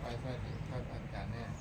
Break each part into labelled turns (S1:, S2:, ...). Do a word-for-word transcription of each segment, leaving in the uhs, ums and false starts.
S1: สวัสดีครับอาจารย์เนี่ย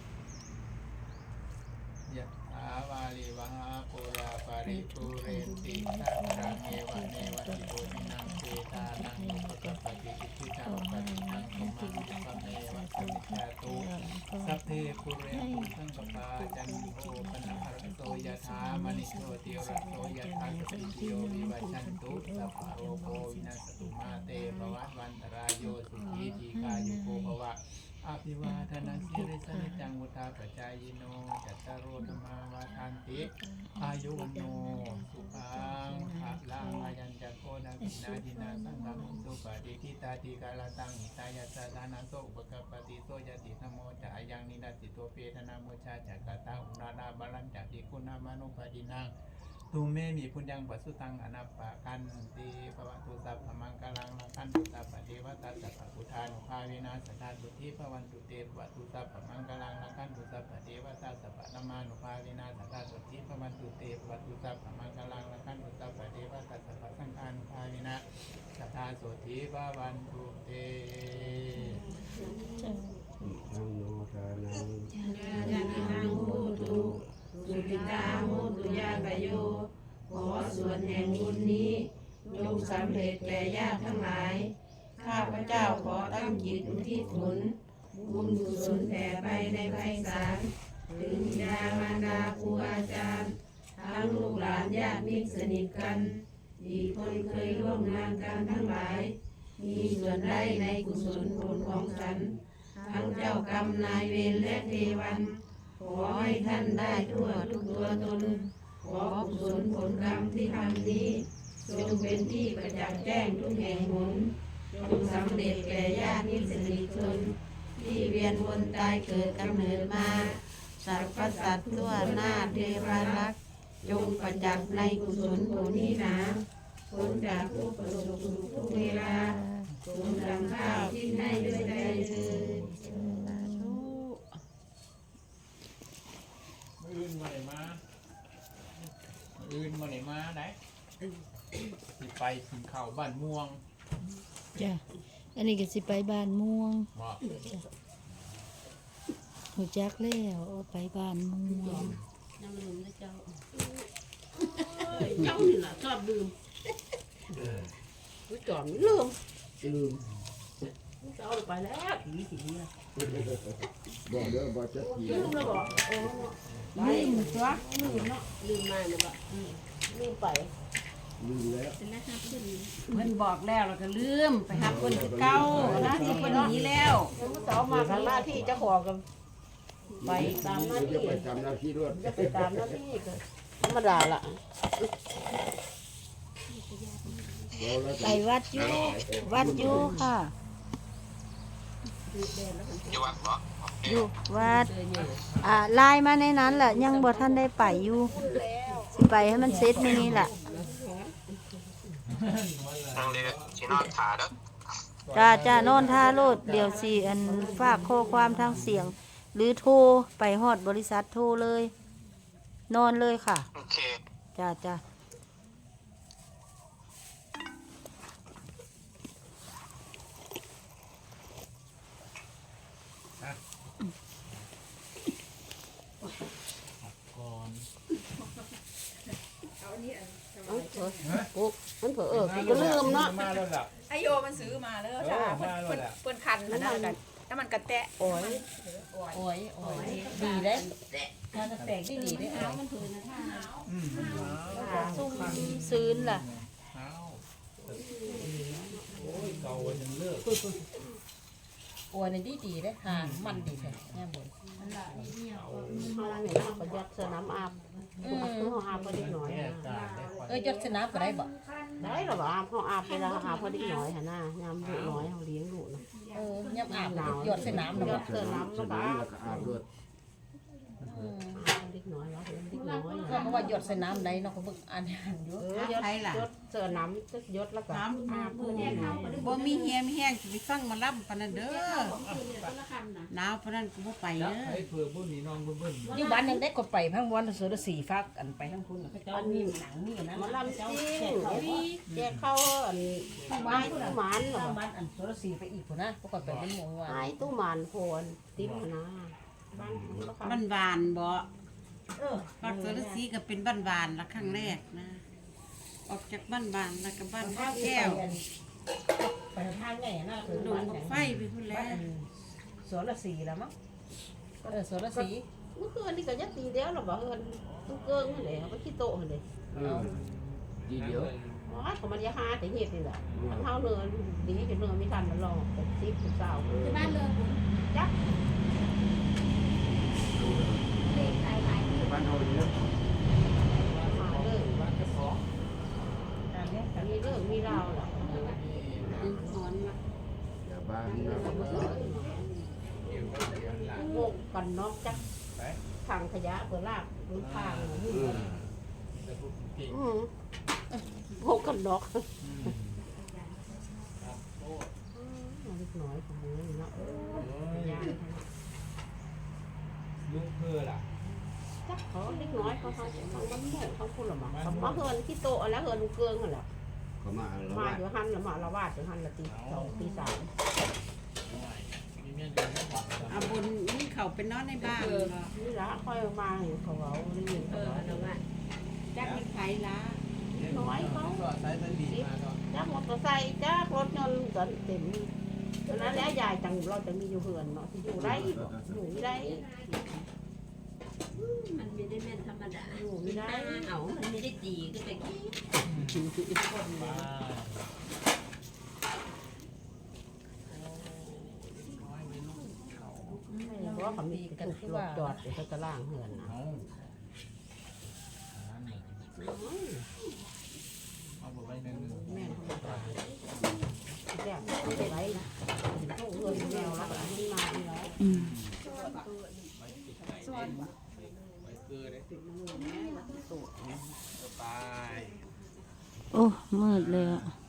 S1: ยะถาวาลิวหาปุราปาริปุเรนติสัพพะเมวะเมวะอิโตทินังเปตานังอุปกปปติอิทิตังปฏิตังตุมังปะเมวะสมิจจตุสัพเพปุเรนตุสังกปาจันโทปนะหะโตยะถามณิโชติระโตยะถาสัพพิโยวิวัชชันตุสัพพะโรโควินัสตุมาเตภวัตวันตรายโยสุขีทีกายุโกภวะอภิวาทนาสิริสนิจังวุธาปจายโนจัตตารโอธรรมาวาทันติอายุวันโนสุขังภะลังอายัญจะโกนาวินาทินาสังฆมุสุปฏิทิตาติกาลตังหิตายาสสานาโสอุปกปปติโสยติธโมจะอายังนินาติโตเปทนาโมชาจักกตาอุนานาบาลันจักติคุณามานุปดินังตุเมมีปุญญังปัสสุตังอนัปปะกันติภวตุสัพพมังคลังละคันตุสัพพะเทวตาสัพพะพุทธานุภาเวนะสัทธาตุทิภวันตุเตภวตุสัพพมังคลังละคันตุสัพพะเทวตาสัพพะธรรมานุภาเวนะสัทธาตุทิภวันตุเตภวตุสัพพมังคลังละคันตุสัพพะเทวตาสัพพะสังฆานุภาเวนะสัทธาโสทิภวันตุเต
S2: ธังโนทานัง
S3: ยาตินังโหตุสุติตาโหตุยาตโยขอส่วนแห่งบุญนี้จงสำเร็จแก่ญาติทั้งหลายข้าพเจ้าขอตั้งจิตอุทิศผลบุญกุศลแผ่ไปในไพศาลถึงบิดามารดาครูอาจารย์ทั้งลูกหลานญาติมิตรสนิทกันที่คนเคยร่วมงานกันทั้งหลายมีส่วนได้ในกุศลผลของฉันทั้งเจ้ากรรมนายเวรและเทวันขอให้ท่านได้ทั่วทุกตัวตนขอกุศลผลกรรมที่ทำนี้จงเป็นที่ประจักษ์แจ้งทุกแห่งหนจงสำเร็จแก่ญาติมิตรสนิทชนที่เวียนวนตายเกิดกำเนิดมาสรรพสัตว์ทั่วหน้าเทวารักษ์จงประจักษ์ในกุศลผลนี้หนาผลจากผู้ประสบสุขทุกเวลาสมดังข้าวที่ให้ด้วยใจเถิด
S1: อื่นมาไหนมาอื่นมาไหนมาไหนสิไปกินข้าวบ้านม่วง
S4: จ้ะอันนี้ก็สิไปบ้านม่วง
S1: บ่
S4: หูจักแล้วเอาไปบ้านม่วง
S3: น้ำลืมนะเจ้าเจ้านี่ล่ะชอบลืมรู้จอมลืม
S2: ลืม
S3: เจ้าไปแล้วผีผีอ่ะ
S2: บอกเด้อบอกจะผี
S3: ลืมแล้วบอกเออลืมจ้ะลืมเนาะลืมมาเนี่ยบ่ลืมไป
S2: ลืมแล้ว
S3: เพิ่นบอกแล้วเราก็ลืมไปหาคนที่เก่าหน้าที่คนนี้แล้วเจ้ามาทำหน้าที่เจ้าของกันไปตามหน้าที่
S2: จะไปทำหน้าที่ด้วย
S3: จะไปตามหน้าที่ก็ธรรมดาล่ะ
S4: ไปวัดอยู่วัดอยู่ค่ะอยู่วัดอ่าไลน์มาในนั้นแหละยังบ่ท่านได้ไปอยู่สิไปให้มันเสร็จมื้อนี้แหละจ้าจ้านอนท่าโลดเดี๋ยวสิอันฝากข้อความทางเสียงหรือโทรไปฮอดบริษัทโทรเลยนอนเลยค่ะโอเคจ้าจ้า
S3: มันเผลอเออก็ลืมเนาะ
S5: ไอโยมันซื้อมาแล้วจ้าเพิ่นเพิ่นคันขนาดกันแล้วมันกระแตะ
S3: โอ้ยโอ้ยโอ้ยดีเลยถ้ากระแตกได้ดีได้เอามันถือนะท่าอืม
S4: ซุ่มซื้นล่ะ
S1: โอ้ยเก่ายังเลิก
S3: โอ้ยนี่ดีดีได้ห่างมันดีแท้แง่บนนั่นแหละนี่เราประหยัดสนามอาบอืมเขาอาบพอดีหน่อยเอ้ยยศสนามก็ได้บ่ได้หรอบ่อาบเขาอาบเวลาอาบพอดีหน่อยหะน้ายามลูกน้อยเขาเลี้ยงลูกนะเออยามอาบหนาวยศสนามนะบ่ยศสนามแล้วก็อาบด้วยอืมดีน้อยแล้วเล็กน้อย
S6: ก็เพราะว่าหยดใส่น้ำไหลเนาะเขาเบิ่งอ่านอ่านอยู่
S3: เออยศยศเสื้อน้ำจะยศแล้วก็
S7: ถามผู้นี้บ่มีเฮียมีแห้งสิไปฟังหมาล่ำปานนั้นเด้อหนาวปานนั้นก็บ่ไป
S1: แล้ว
S7: เด้อ
S1: ไอ้เผื่อบุญนี่น้องบุญบุญ
S6: อยู่บ้านยังได้ก็ไปพังวันเสือสีฟักอันไปทั้งคุณเขาเจ้ามีหนังมีนะ
S3: หมาลำจริงแจกเข้าอันไม้ตู้หมานเหรอ
S6: บ้านอันเสือสีไปอีกคนนะปกติเป็นหมงว่า
S3: ไม้ตู้หมานโคนติ๊บนะบ้าน
S7: บ้านบานบ่
S6: เออ
S7: ปักเสรสีก็เป็นบ้านบานละครั้งแรกนะ ออกจากบ้านบานแล้วก็บ้านท่าแก้ว
S6: ไปทางไหนนะ
S7: ลงกับไฟไปพุ่นแล้ว
S6: เสือสีแล้วมั้งเออเสือสี
S3: เมื่อคืนนี่ก็ยัดตีเดียวหรอบ่เฮือนตู้เกิ้งนั่นแหละเขาขี้โตนั่นเลย
S2: เออทีเดียว
S3: อ๋อเขามันยาหาแต่เหตุนี่แหละมันเท่าเนื้อดีจนเนื้อไม่ทันมันรอเป็นสิบสิบเก้า
S5: ที่บ้านเลย
S3: จัก
S2: บ้านเฮาเยอะ
S3: มาเรื่อง
S1: บ้านเจ้าของ
S6: อันนี้
S3: มีเรื่องมีราวหรอก
S7: ดึงถอนมา
S2: อย่าบ้านนะ
S1: เกี่ยวกับเกี่ยวหลัง
S3: งงกันนอกจักทางขยะเปิดลากหรือทาง
S2: เออ
S1: แต่พวกเก่ง
S3: อืมงงกันนอก
S1: ครับโอ้
S3: เล็กน้อยของมือเนาะ
S1: ย
S3: ยาน
S1: ลูกเพื่อล่ะ
S3: จักเขาเล็กน้อยเขาเขาเขาบ้านหมู่เขาพูดหรอมั้งเขามาเฮือนขี้โตแล้วเฮือนลูกเกิงกันแหละ
S2: เขามาแล้ว
S3: มา
S2: ว่า
S3: อยู่หันละมาละวาดอยู่หันละตีสองตีสาม
S1: มีเมียเดินไม่หวัง
S7: อาบุญนี่เขาเป็นนอนในบ้านบ่
S3: นี่ละค่อยมาเห็นเขาเอาได้ยินเขาเอาแล้วว่า
S7: จักมีไผละ
S3: น้อยเขา
S1: ก็ใช้สลีมาก็
S3: จ้ามอเตอร์ไซค์จ้ารถยนต์กันเต็มตอนนั้นแล้วยายจังเราจะมีอยู่เฮือนเนาะที่อยู่ไรบ่อยู่ไม่ได้
S8: มันไม่ได้แม่นธรรมดา
S3: อยู่ไม่ได้
S8: เอามันไม่ได้ตีก็แต่กี้
S1: มา
S3: เพราะว่าเขามีกระตุกรถจอดอยู่ที่ตารางเฮือนนะ
S1: เอาเอาไปไว้ในนึง
S3: แม่เขาบอกว่าแจ้งไม่ได้ไรนะเขาเฮือนแมวแล้วอันนี้มาอีกแล้ว
S4: อืม
S1: ไว้ติดไก่เล่นไว้เกลือเลย
S3: ติดมือแม่แล้วติดตัว
S1: ไป
S4: โอ้มืดเลยอ่ะ